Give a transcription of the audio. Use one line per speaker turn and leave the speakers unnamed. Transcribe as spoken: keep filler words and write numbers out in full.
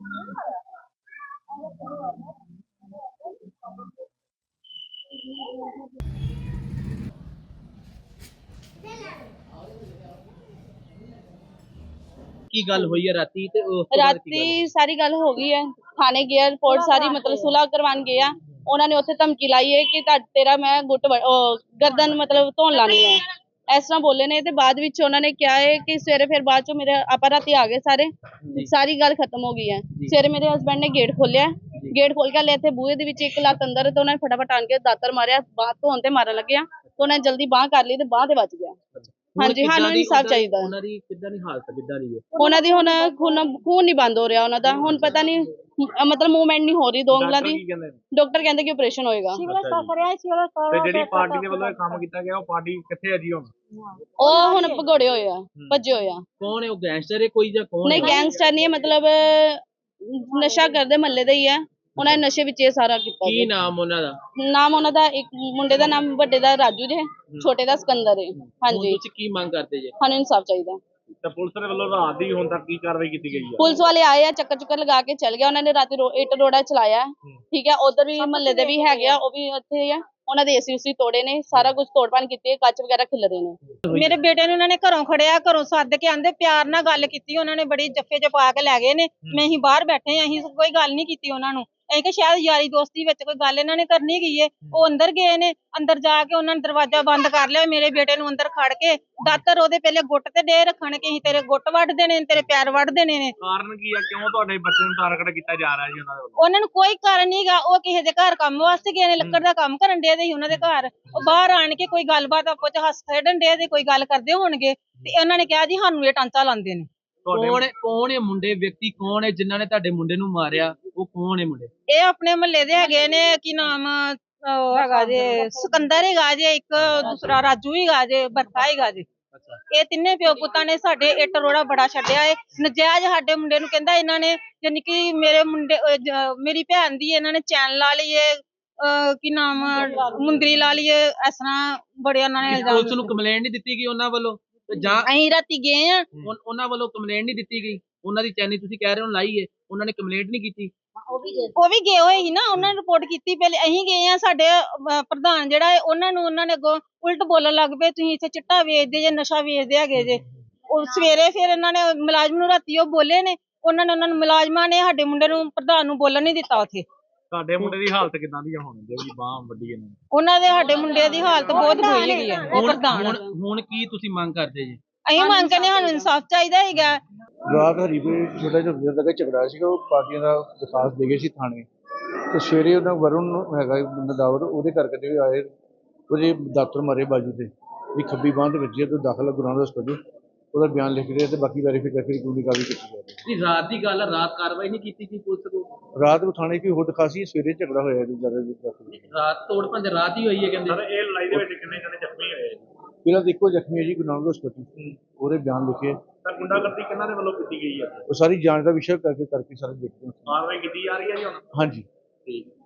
की गल हुई है राती ते
राती सारी गल हो गई है, थाने गया, रिपोर्ट सारी मतलब सुलह करवान गया। उन्होंने उत्थे धमकी लाई है कि तेरा मैं गुट गर्दन मतलब धोन लानी है, इस तरह बोले ने। ते बाद विच उन्होंने क्या है कि सवेरे फिर बाद चो मेरे आपा राती आ गए सारे, सारी गल खत्म हो गई है। सवेरे मेरे हसबैंड ने गेट खोलिया, गेट खोल के हले इत्थे बूहे दे विच एक लत्त अंदर, ते उन्होंने फटाफट आन के दातर मारिया, बांह धोन ते मारन लगे, तो उन्होंने जल्दी बांह कर ली ते बांह ते बच गया। हाँ जी, हाँ इंसाफ चाहिए।
ਉਹਨਾਂ ਦੀ ਕਿੱਦਾਂ ਦੀ ਹਾਲਤ ਕਿੱਦਾਂ ਦੀ ਹੈ?
ਉਹਨਾਂ ਦੀ ਹੁਣ ਖੂਨ ਖੂਨ ਨਹੀਂ ਬੰਦ ਹੋ ਰਿਹਾ ਉਹਨਾਂ ਦਾ, ਹੁਣ ਪਤਾ ਨਹੀਂ ਮਤਲਬ ਮੂਵਮੈਂਟ ਨਹੀਂ ਹੋ ਰਹੀ ਦੋ ਉਂਗਲਾਂ ਦੀ। ਡਾਕਟਰ ਕਹਿੰਦੇ ਕਿ ਆਪਰੇਸ਼ਨ ਹੋਏਗਾ।
ਤੇ ਜਿਹੜੀ ਪਾਰਟੀ ਦੇ ਵੱਲੋਂ ਇਹ ਕੰਮ ਕੀਤਾ ਗਿਆ, ਉਹ ਪਾਰਟੀ ਕਿੱਥੇ ਹੈ ਜੀ ਹੁਣ?
ਉਹ ਹੁਣ ਭਗੌੜੇ ਹੋਏ ਆ, ਭੱਜੇ ਹੋਏ ਆ।
ਕੌਣ ਹੈ ਉਹ, ਗੈਂਗਸਟਰ ਹੈ ਕੋਈ ਜਾਂ ਕੌਣ?
ਨਹੀਂ ਗੈਂਗਸਟਰ ਨਹੀਂ ਹੈ, ਮਤਲਬ ਨਸ਼ਾ ਕਰਦੇ ਮਹੱਲੇ ਦਾ ਹੀ ਹੈ। ਉਹਨਾਂ ਨੇ ਨਸ਼ੇ ਵਿੱਚ ਇਹ ਸਾਰਾ ਕੀਤਾ।
ਕੀ ਨਾਮ ਉਹਨਾਂ ਦਾ?
ਨਾਮ ਉਹਨਾਂ ਦਾ, ਇੱਕ ਮੁੰਡੇ ਦਾ ਨਾਮ ਵੱਡੇ ਦਾ ਰਾਜੂ ਜੇ, ਛੋਟੇ ਦਾ ਸਿਕੰਦਰ ਹੈ। ਹਾਂਜੀ,
ਤੁਸੀਂ ਕੀ ਮੰਗ ਕਰਦੇ ਜੇ?
ਸਾਨੂੰ ਇਨਸਾਫ ਚਾਹੀਦਾ।
ਤੇ ਪੁਲਿਸ ਦੇ ਵੱਲੋਂ ਰਾਤ ਦੀ ਹੁਣ ਤੱਕ ਕੀ ਕਾਰਵਾਈ ਕੀਤੀ ਗਈ ਹੈ?
ਪੁਲਿਸ ਵਾਲੇ ਆਏ ਆ, ਚੱਕਰ ਚੁੱਕਰ ਲਗਾ ਕੇ ਚਲ ਗਿਆ। ਉਹਨਾਂ ਨੇ ਰਾਤੀ ਇੱਟ ਰੋੜਾ ਚਲਾਇਆ, ਠੀਕ ਹੈ। ਉਧਰ ਵੀ ਮਹੱਲੇ ਦੇ ਵੀ ਹੈਗੇ ਆ, ਉਹ ਵੀ ਉੱਥੇ ਆ। ਉਹਨਾਂ ਦੇ ਏਸੀ ਉਸੀ ਤੋੜੇ ਨੇ, ਸਾਰਾ ਕੁਝ ਤੋੜਪਾਨ ਕੀਤੀ ਹੈ, ਕੱਚ ਵਗੈਰਾ ਖਿਲਰੇ ਨੇ।
ਮੇਰੇ ਬੇਟੇ ਨੂੰ ਉਹਨਾਂ ਨੇ ਘਰੋਂ ਖੜਿਆ, ਘਰੋਂ ਸੱਦ ਕੇ ਆਂਦੇ, ਪਿਆਰ ਨਾਲ ਗੱਲ ਕੀਤੀ ਉਹਨਾਂ ਨੇ, ਬੜੀ ਜੱਫੇ ਚ ਪਾ ਕੇ ਲੈ ਗਏ ਨੇ। ਮੈਂ ਅਸੀਂ ਬਾਹਰ ਬੈਠੇ ਆਂ, ਅਸੀਂ ਕੋਈ ਗੱਲ ਨਹੀਂ ਕੀਤੀ ਉਹਨਾਂ ਨੂੰ। ਅਸੀਂ ਕਿ ਸ਼ਾਇਦ ਯਾਰੀ ਦੋਸਤੀ ਵਿੱਚ ਕੋਈ ਗੱਲ ਇਹਨਾਂ ਨੇ ਕਰਨੀ ਗਈ ਏ। ਉਹ ਅੰਦਰ ਗਏ ਨੇ, ਅੰਦਰ ਜਾ ਕੇ ਉਹਨਾਂ ਨੇ ਦਰਵਾਜ਼ਾ ਬੰਦ ਕਰ ਲਿਆ। ਮੇਰੇ ਬੇਟੇ ਨੂੰ ਅੰਦਰ ਖੜ ਕੇ ਦਾਤਰ ਉਹਦੇ ਪਹਿਲੇ ਗੁੱਟ ਤੇ ਡੇ ਰੱਖਣ ਕਿ ਅਸੀਂ ਤੇਰੇ ਗੁੱਟ ਵੱਢ ਦੇਣੇ ਨੇ, ਤੇਰੇ ਪੈਰ ਵੱਢ ਦੇਣੇ ਨੇ।
ਕਾਰਨ ਕੀ ਆ, ਕਿਉਂ ਤੁਹਾਡੇ ਬੱਚੇ ਨੂੰ ਟਾਰਗੇਟ ਕੀਤਾ ਜਾ ਰਿਹਾ ਜੀ ਉਹਨਾਂ ਦੇ ਵੱਲੋਂ?
ਉਹਨਾਂ ਨੂੰ ਕੋਈ ਕਾਰਨ ਨਹੀਂਗਾ, ਉਹ ਕਿਸੇ ਦੇ ਘਰ ਕੰਮ ਵਾਸਤੇ ਗਏ ਨੇ, ਲੱਕੜ ਦਾ ਕੰਮ ਕਰਨ ਡੇ ਸੀ ਉਹਨਾਂ ਦੇ ਘਰ। ਉਹ ਬਾਹਰ ਆਣ ਕੇ ਕੋਈ ਗੱਲਬਾਤ ਆਪੋ ਚ ਹੱਸ ਖੇਡਣ ਡੇ ਤੇ ਕੋਈ ਗੱਲ ਕਰਦੇ ਹੋਣਗੇ, ਤੇ ਉਹਨਾਂ ਨੇ ਕਿਹਾ ਜੀ ਸਾਨੂੰ ਇਹ ਟਾਂਚਾ ਲਾਉਂਦੇ ਨੇ।
ਕੌਣ ਕੌਣ ਇਹ ਮੁੰਡੇ, ਵਿਅਕਤੀ ਕੌਣ ਹੈ ਜਿਨ੍ਹਾਂ ਨੇ ਤੁਹਾਡੇ ਮੁੰਡੇ ਨੂੰ ਮਾਰਿਆ? ਉਹ ਕੌਣ ਹੈ ਮੁੰਡੇ?
ਇਹ ਆਪਣੇ ਮਹੱਲੇ ਦੇ ਹੈਗੇ ਨੇ। ਕੀ ਨਾਮ ਉਹ ਹੈਗਾ ਜੇ, ਸਿਕੰਦਰ ਹੈਗਾ ਜੇ, ਇੱਕ ਦੂਸਰਾ ਰਾਜੂ ਹੈਗਾ ਜੇ, ਬਰਖਾ ਹੈਗਾ ਜੇ। ਇਹ ਤਿੰਨੇ ਪਿਓ ਪੁੱਤਾਂ ਨੇ ਸਾਡੇ ਇੱਟ ਰੋੜਾ ਬੜਾ ਛੱਡਿਆ ਏ। ਨਜਾਇਜ਼ ਸਾਡੇ ਮੁੰਡੇ ਨੂੰ ਕਹਿੰਦਾ ਇਹਨਾਂ ਨੇ, ਯਾਨੀ ਕਿ ਮੇਰੇ ਮੁੰਡੇ ਮੇਰੀ ਭੈਣ ਦੀ ਇਹਨਾਂ ਨੇ ਚੈਨ ਲਾ ਲਈ ਏ, ਕੀ ਨਾਮ ਮੁੰਦਰੀ ਲਾ ਲਈ ਏ, ਇਸ ਤਰ੍ਹਾਂ ਬੜੇ ਉਹਨਾਂ ਨੇ।
ਪੁਲਿਸ ਨੂੰ ਕੰਪਲੇਂਟ ਨਹੀਂ ਦਿੱਤੀ ਗਈ ਉਹਨਾਂ ਵੱਲੋਂ? ਜਾਂ
ਅਸੀਂ ਰਾਤੀ ਗਏ ਆ,
ਉਹਨਾਂ ਵੱਲੋਂ ਕੰਪਲੇਂਟ ਨਹੀਂ ਦਿੱਤੀ ਗਈ? ਉਹਨਾਂ ਦੀ ਚੈਨੀ ਤੁਸੀਂ ਕਹਿ ਰਹੇ ਹੋ ਲਾਈ ਏ, ਉਹਨਾਂ ਨੇ ਕੰਪਲੇਂਟ ਨਹੀਂ ਕੀਤੀ?
ਉਹ ਵੀ ਗਏ ਹੋਏ ਸੀ ਨਾ, ਉਹਨਾਂ ਨੇ ਰਿਪੋਰਟ ਕੀਤੀ ਪਹਿਲੇ। ਅਸੀਂ ਗਏ ਆ, ਸਾਡੇ ਪ੍ਰਧਾਨ ਜਿਹੜਾ ਹੈ ਉਹਨਾਂ ਨੂੰ ਉਹਨਾਂ ਨੇ ਅੱਗੋਂ ਉਲਟ ਬੋਲਣ ਲੱਗ ਪਏ, ਤੁਸੀਂ ਇੱਥੇ ਚਿੱਟਾ ਵੇਚਦੇ ਜੇ, ਨਸ਼ਾ ਵੇਚਦੇ ਹੈਗੇ ਜੇ। ਉਹ ਸਵੇਰੇ ਫਿਰ ਇਹਨਾਂ ਨੇ ਮੁਲਾਜ਼ਮ ਨੂੰ ਰਾਤੀ ਉਹ ਬੋਲੇ ਨੇ, ਉਹਨਾਂ ਨੇ ਉਹਨਾਂ ਨੂੰ ਮੁਲਾਜ਼ਮਾਂ ਨੇ ਸਾਡੇ ਮੁੰਡੇ ਨੂੰ ਪ੍ਰਧਾਨ ਨੂੰ ਬੋਲਣ ਨਹੀਂ ਦਿੱਤਾ ਉੱਥੇ।
ਤੁਹਾਡੇ ਮੁੰਡੇ ਦੀ ਹਾਲਤ ਕਿਦਾਂ ਦੀ ਆ ਹੁਣ, ਜਿਹੜੀ ਬਾਹ ਵੱਡੀ ਇਹਨਾਂ ਨੇ?
ਉਹਨਾਂ ਦੇ ਸਾਡੇ ਮੁੰਡੇ ਦੀ ਹਾਲਤ ਬਹੁਤ ਬੁਰੀ ਹੈਗੀ ਆ। ਉਹ ਪ੍ਰਧਾਨ
ਹੁਣ ਕੀ ਤੁਸੀਂ ਮੰਗ ਕਰਦੇ ਜੀ?
ਅਸੀਂ ਮੰਗ ਕਰਨੇ, ਸਾਨੂੰ ਇਨਸਾਫ ਚਾਹੀਦਾ ਹੈਗਾ।
ਰਾਤ ਹਰੀਪੁਰ ਛੋਟਾ ਜਿਹਾ ਵੀਰ ਦਾ ਝਗੜਾ ਸੀਗਾ, ਉਹ ਪਾਰਟੀਆਂ ਦਾ ਦਰਖਾਸਤ ਦੇ ਗਏ ਸੀ ਥਾਣੇ। ਤੇ ਸਵੇਰੇ ਉਹਨਾਂ ਵਰੁਣ ਹੈਗਾ ਨਦਾਵਰ, ਉਹਦੇ ਕਰਕੇ ਤੇ ਆਏ, ਉਹਦੇ ਦਾਤਰ ਮਾਰੇ ਬਾਜੂ ਤੇ, ਵੀ ਖੱਬੀ ਬਾਂਹ ਤੇ ਵੱਜੀ, ਤੇ ਦਾਖਲ ਗੁਰਾਂ ਹਸਪਤਾਲ। ਉਹਦਾ ਬਿਆਨ ਲਿਖ ਰਿਹਾ ਤੇ ਬਾਕੀ ਵੈਰੀਫਾਈ ਕਰਕੇ ਕਾਨੂੰਨੀ ਕਾਰਵਾਈ ਕੀਤੀ ਜਾ ਰਹੀ ਹੈ।
ਰਾਤ ਦੀ ਗੱਲ, ਰਾਤ ਕਾਰਵਾਈ ਨਹੀਂ ਕੀਤੀ ਗਈ ਪੁਲਿਸ ਕੋਲ?
ਰਾਤ ਨੂੰ ਥਾਣੇ ਕੀ ਹੋਰ ਦਿਖਾਸੀ, ਸਵੇਰੇ ਝਗੜਾ ਹੋਇਆ ਜੀ ਜ਼ਿਆਦਾ।
ਰਾਤ ਤੋੜ ਭੰਜ ਰਾਤ ਹੀ ਹੋਈ ਹੈ ਕਹਿੰਦੇ?
ਸਰ ਇਹ ਲੜਾਈ ਦੇ ਵਿੱਚ ਕਿੰਨੇ ਜਣੇ ਜ਼ਖਮੀ ਹੋਏ?
ਪਹਿਲਾਂ ਤਾਂ ਇੱਕੋ ਜ਼ਖਮੀ ਹੈ ਜੀ, ਗੁਰੂ ਨਾਨਕ ਹਸਪਤਾਲ, ਉਹਦੇ ਬਿਆਨ ਲਿਖੇ।
ਸਰ ਗੁੰਡਾਗਰਦੀ ਕਿਹਨਾਂ ਦੇ ਵੱਲੋਂ ਕੀਤੀ ਗਈ ਹੈ?
ਉਹ ਸਾਰੀ ਜਾਂਚ ਦਾ ਵਿਸ਼ਾ ਕਰਕੇ ਕਰਕੇ ਸਾਰੇ ਦੇਖਦੇ ਹਾਂ।
ਕਾਰਵਾਈ ਕੀਤੀ ਜਾ ਰਹੀ ਹੈ ਜੀ ਹੁਣ?
ਹਾਂਜੀ।
ਠੀਕ।